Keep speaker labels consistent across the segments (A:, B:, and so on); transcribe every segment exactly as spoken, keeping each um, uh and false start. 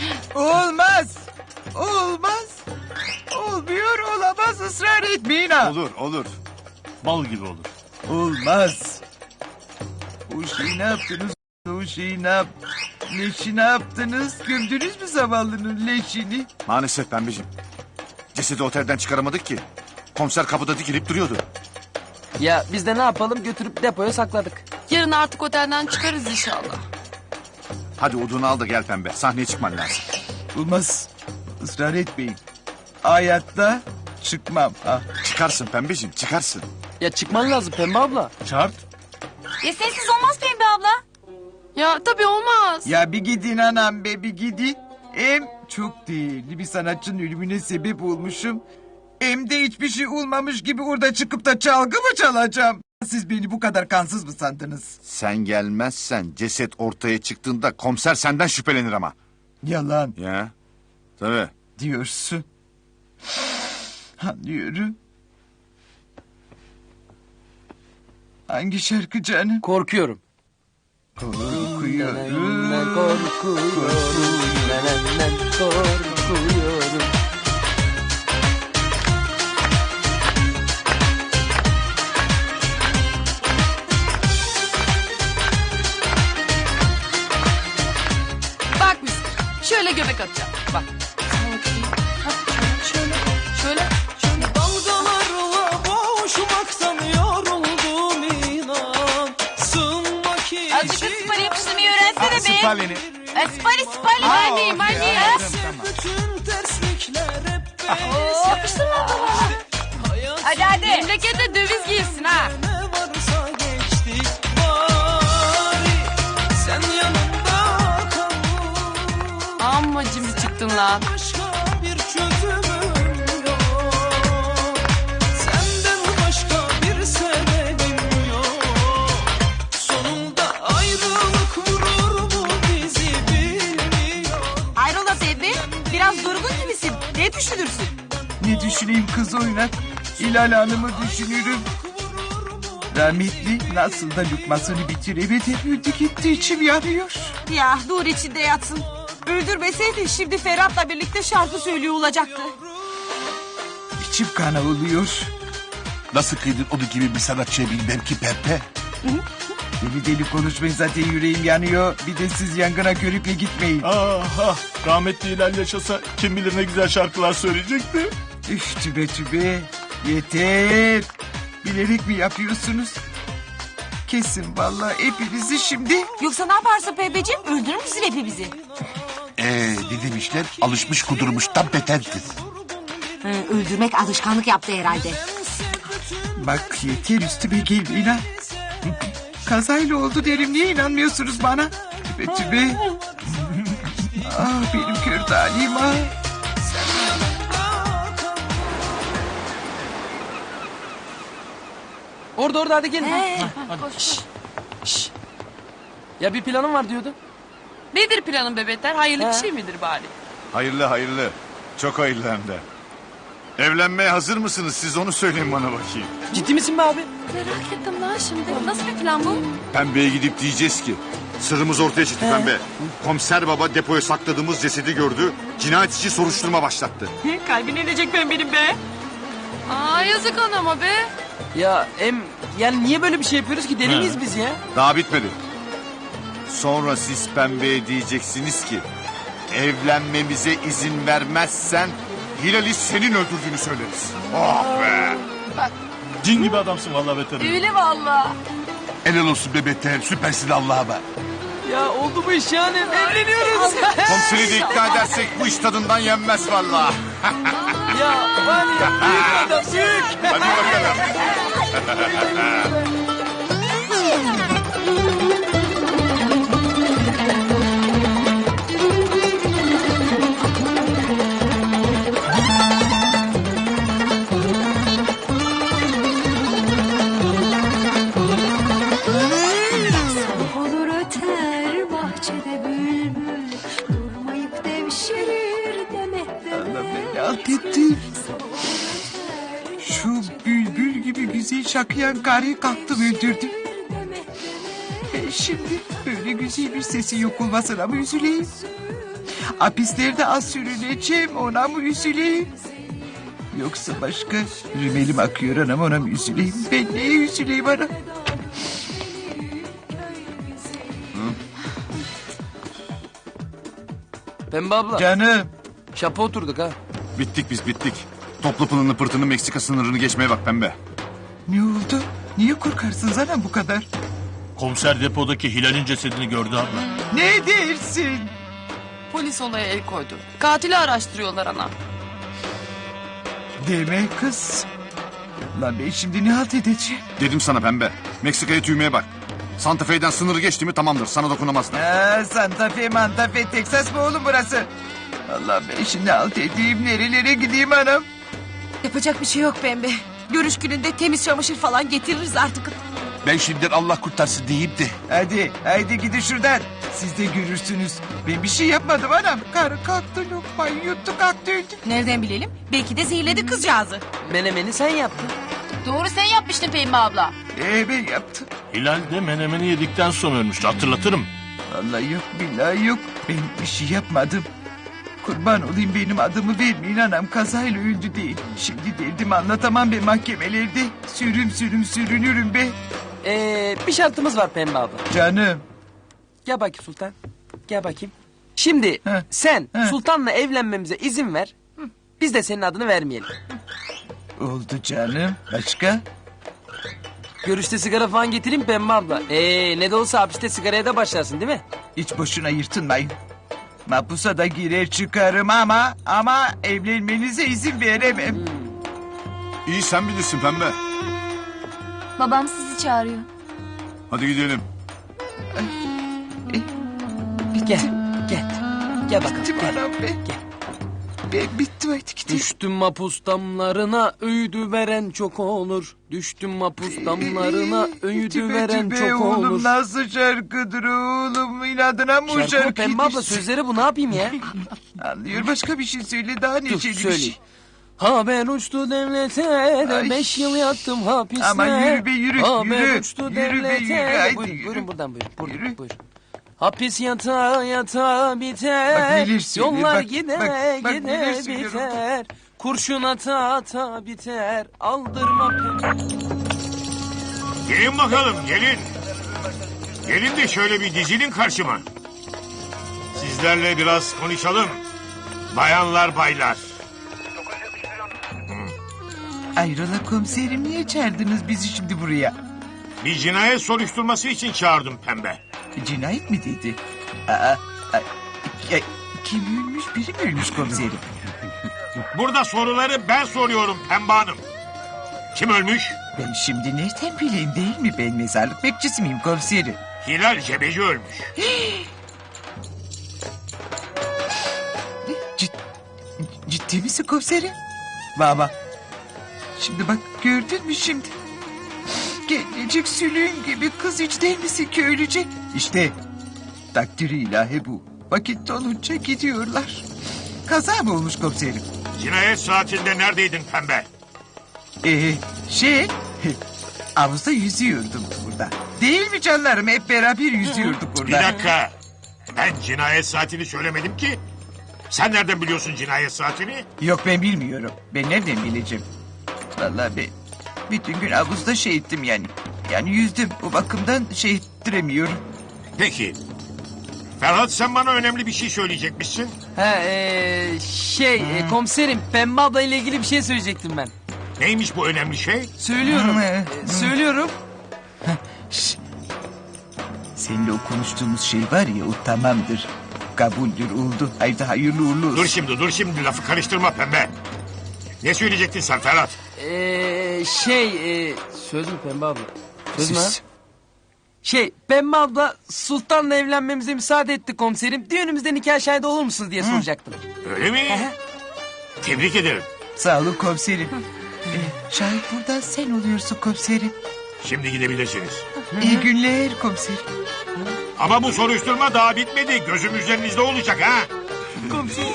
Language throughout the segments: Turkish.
A: Olmaz. Olmaz. Olmuyor, olamaz, ısrar etmeyin ha.
B: Olur olur. Bal gibi olur.
A: Olmaz. O şeyi ne yaptınız? O şeyi ne yap... Leşi ne yaptınız? Gömdünüz mü zavallının leşini?
B: Maalesef pembeciğim. Cesedi otelden çıkaramadık ki. Komiser kapıda dikilip duruyordu.
C: Ya biz de ne yapalım, götürüp depoya sakladık.
D: Yarın artık otelden çıkarız inşallah.
B: Hadi odunu al da gel pembe. Sahneye çıkman lazım.
A: Olmaz. Israr etmeyin. Hayatta çıkmam. Ha.
B: Çıkarsın pembeciğim çıkarsın.
C: Ya çıkman lazım Pembe abla.
B: Şart.
E: Ya sensiz olmaz Pembe abla.
D: Ya tabii olmaz.
A: Ya bir gidin anam be, bir gidin. Hem çok değerli bir sanatçının ölümüne sebep olmuşum. Hem de hiçbir şey olmamış gibi orada çıkıp da çalgı mı çalacağım? Siz beni bu kadar kansız mı sandınız?
B: Sen gelmezsen ceset ortaya çıktığında komiser senden şüphelenir ama.
A: Yalan
B: Ya tabii.
A: diyorsun. Anlıyorum. Hangi şarkı canım?
C: Korkuyorum.
A: Korkuyorum.
C: Ben korkuyorum. Ben korkuyorum.
D: Bak mister. Şöyle göbek atacağım. Bak. Şöyle. Şöyle. Şöyle.
F: Dalgalarla boğuşmaktan yoruldum inan. Sığınmak
E: Azıcık
F: için
E: spari yapıştırmayı öğrensene be.
B: Spalini.
E: E, spari spari.
D: Mani mani.
F: bütün terslikler hep
E: Oo, yapıştırma bana.
F: hayat
E: Hadi hadi.
D: Memlekete döviz giysin ha.
F: ne varsa geçti. Bari sen yanımda kal.
D: Amma cimri çıktın lan.
F: Başka bir çözümüm yok. Senden başka bir sebebim yok. Sonunda ayrılık vurur mu bizi bilmiyorum.
E: Hayrola Pembe? Biraz durgun gibisin. Ne düşünürsün?
A: Ne düşüneyim kız oynak? İlal Hanım'ı düşünürüm. Rahmetli nasıl da lokmasını bitiremedi. Öldü gitti, içim yanıyor.
E: Ya dur içinde yatsın. Öldürmeseydin şimdi Ferhat'la birlikte şarkı söylüyor olacaktı.
A: İçim kana oluyor.
G: Nasıl kıydın onun gibi bir sanatçıya bilmem ki Pembe?
A: Deli deli konuşmayın, zaten yüreğim yanıyor. Bir de siz yangına körükle gitmeyin.
B: Aha, rahmetli İlal yaşasa kim bilir ne güzel şarkılar söyleyecekti.
A: Üf tübe tübe. Yeter. Bilerek mi yapıyorsunuz? Kesin vallahi hepinizi şimdi.
E: Yoksa ne yaparsın Pembeciğim? Öldürür müsün hepimizi?
G: Ee, ne demişler? Alışmış kudurmuştan beterdir.
E: Hı, öldürmek alışkanlık yaptı herhalde.
A: Bak yeter, üstüme gelmeyin ha. Kazayla oldu derim, niye inanmıyorsunuz bana? Tübe tübe. Ah benim kör talim ah.
C: Orada orada hadi gelin.
E: Ee,
C: Şş, şş. Ya bir planım var diyordun.
D: Nedir planın bebekler? Hayırlı bir
C: He.
D: şey midir bari?
B: Hayırlı hayırlı. Çok hayırlı hem de. Evlenmeye hazır mısınız siz, onu söyleyin bana bakayım.
C: Ciddi misin be abi?
D: Merak ettim lan şimdi. Nasıl bir plan bu?
B: Pembe'ye gidip diyeceğiz ki sırrımız ortaya çıktı Pembe. Komiser baba depoya sakladığımız cesedi gördü. Cinayet işi soruşturma başlattı.
E: kalbin inecek Pembe'nin be.
D: Aa yazık anama be.
C: Ya em yani niye böyle bir şey yapıyoruz ki? Deli miyiz biz ya?
B: Daha bitmedi. Sonra siz Pembe'ye diyeceksiniz ki evlenmemize izin vermezsen Hilal'i senin öldürdüğünü söyleriz. Oh be!
G: Cin gibi adamsın vallahi beterim.
D: Öyle valla.
G: Helal olsun be beter, süpersin Allah'ıma.
C: Ya oldu bu iş yani. Evleniyoruz.
B: Komiseri de ikna edersek bu iş tadından yenmez vallahi.
C: Ya var ya büyük adam büyük.
B: Hadi bakalım.
H: Olur öter bahçede bülbül, durmayıp devşirir demet
A: Allah
H: demet.
A: belanı etti. Şu bülbül gibi güzel şakıyan karıyı kalktım öldürdüm. Ben şimdi böyle güzel bir sesi yok olmasına mı üzüleyim? Hapislerde az sürüneceğim, ona mı üzüleyim? Yoksa başka rümelim akıyor anam, ona mı üzüleyim? Ben niye üzüleyim anam?
C: Pembe abla.
A: Canım.
C: Şapa oturduk ha.
B: Bittik biz bittik. Toplu pılını pırtını Meksika sınırını geçmeye bak pembe.
A: Ne oldu? Niye korkarsınız anam bu kadar?
I: Komiser depodaki Hilal'in cesedini gördü abla.
A: Ne dersin?
D: Polis olaya el koydu. Katili araştırıyorlar ana.
A: Deme kız. Lan ben şimdi ne halt edeceğim?
B: Dedim sana pembe. Meksika'ya tüymeye bak. Santa Fe'den sınırı geçti mi tamamdır. Sana dokunamazlar.
A: Ha, Santa Fe, Manta Fe, Texas mı oğlum burası? Allah ben şimdi halt edeyim, nerelere gideyim anam?
E: Yapacak bir şey yok pembe. Görüş gününde temiz çamaşır falan getiririz artık.
G: Ben şimdiden Allah kurtarsın diyeyim de.
A: Hadi, haydi gidin şuradan. Siz de görürsünüz. Ben bir şey yapmadım anam. Karı kalktı, lokmayı yuttu, kalktı öldü.
E: Nereden bilelim? Belki de zehirledi kızcağızı.
C: Menemeni sen yaptın.
D: Doğru sen yapmıştın Pembe abla.
A: Ee, ben yaptım.
I: Hilal de menemeni yedikten sonra ölmüştü, hatırlatırım.
A: Vallahi yok, billahi yok. Ben bir şey yapmadım. Kurban olayım, benim adımı vermeyin anam, kazayla öldü değil. Şimdi derdimi anlatamam be mahkemelerde. Sürüm sürüm sürünürüm be.
C: Ee, bir şartımız var Pembe abla.
A: Canım.
C: Gel bakayım Sultan. Gel bakayım. Şimdi
A: Heh.
C: sen
A: Heh.
C: Sultan'la evlenmemize izin ver. Biz de senin adını vermeyelim.
A: Oldu canım. Başka?
C: Görüşte sigara falan getireyim Pembe abla. Ee, ne de olsa hapiste sigaraya da başlarsın değil mi?
A: Hiç boşuna yırtınmayın. Mahpusa da girer çıkarım ama ama evlenmenize izin veremem.
B: İyi sen bilirsin pembe.
H: Babam sizi çağırıyor.
B: Hadi gidelim.
C: Gel, gel. Gel bakalım.
A: Bittim
C: Gel.
A: anam be.
C: Gel.
A: Ben bittim, hadi gidelim.
C: Düştüm mapus damlarına öğüdü veren çok olur. Düştüm mapus damlarına öğüdü
A: Tübe
C: veren
A: tübe
C: çok
A: oğlum,
C: olur.
A: nasıl şarkıdır oğlum, inadına mı o
C: Şarkı
A: şarkıyı?
C: Pembe abla sözleri bu, ne yapayım ya?
A: Anlıyor, başka bir şey söyle, daha
C: Dur
A: neşeli bir
C: söyle.
A: şey.
C: Haber uçtu devlete de
A: Ay.
C: beş yıl yattım hapiste.
A: Aman yürü be, yürü,
C: Haber
A: yürü.
C: uçtu
A: Yürü be,
C: devlete
A: yürü,
C: de-
A: haydi
C: buyurun,
A: yürü.
C: buyurun buradan buyurun. Buyurun,
A: Yürü.
C: buyurun. Hapis yata yata biter.
A: Bak neler söylüyor,
C: Yollar
A: bak,
C: gide
A: bak, bak
C: gide
A: neler söylüyor.
C: biter. Kurşun ata ata biter. Aldırma pembe.
J: Gelin bakalım gelin. Gelin de şöyle bir dizilin karşıma. Sizlerle biraz konuşalım. Bayanlar baylar.
A: Ayrola komiserim, niye çağırdınız bizi şimdi buraya?
J: Bir cinayet soruşturması için çağırdım pembe.
A: Cinayet mi dedi? Aa, ay, ya, kim ölmüş, biri mi ölmüş komiserim?
J: Burada soruları ben soruyorum pembe hanım. Kim ölmüş?
A: Ben şimdi nereden bileyim, değil mi, ben mezarlık bekçisi miyim komiserim?
J: Hilal Cebeci ölmüş.
A: Cid, ciddi misin komiserim? Baba. Şimdi bak, gördün mü şimdi? Gelecek sülüğün gibi kız hiç değil misin ki ölecek? İşte takdiri ilahi bu. Vakit olunca gidiyorlar. Kaza mı olmuş komiserim?
J: Cinayet saatinde neredeydin pembe?
A: Ee, şey... Havuzda yüzüyordum burada. Değil mi canlarım? Hep beraber yüzüyorduk burada.
J: Bir dakika. Ben cinayet saatini söylemedim ki. Sen nereden biliyorsun cinayet saatini?
A: Yok, ben bilmiyorum. Ben nereden bileceğim? Vallahi ben bütün gün havuzda şey ettim yani. Yani yüzdüm. O bakımdan şey ettiremiyorum.
J: Peki. Ferhat sen bana önemli bir şey söyleyecekmişsin.
C: Ha, ee, şey e, komiserim Pembe abla ile ilgili bir şey söyleyecektim ben.
J: Neymiş bu önemli şey?
C: Söylüyorum.
A: Hı,
C: Ee,
A: hı.
C: söylüyorum.
A: Şş. Seninle o konuştuğumuz şey var ya, o tamamdır. Kabuldür, oldu. Haydi hayırlı uğurlu olsun.
J: Dur şimdi dur şimdi lafı karıştırma pembe. Ne söyleyecektin sen Ferhat?
C: Ee, şey e, söz mü Pembe abla? Söz mü ha?
A: Sus.
C: Şey Pembe abla Sultan'la evlenmemize müsaade etti komiserim. Düğünümüzde nikah şahidi olur musunuz diye soracaktım.
J: Öyle mi? Tebrik ederim.
A: Sağ olun komiserim. Ee, şahit buradan sen oluyorsun komiserim.
J: Şimdi gidebilirsiniz.
A: İyi günler komiserim.
J: Ama bu soruşturma daha bitmedi. Gözüm üzerinizde olacak ha.
C: Komiserim.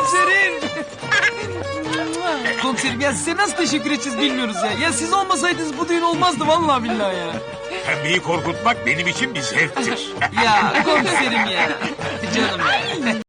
C: Komiserim ya size nasıl teşekkür edeceğiz bilmiyoruz ya. Ya siz olmasaydınız bu düğün olmazdı vallahi billahi ya.
J: Pembeyi korkutmak benim için bir zevktir.
C: Ya komiserim ya. Canım ya.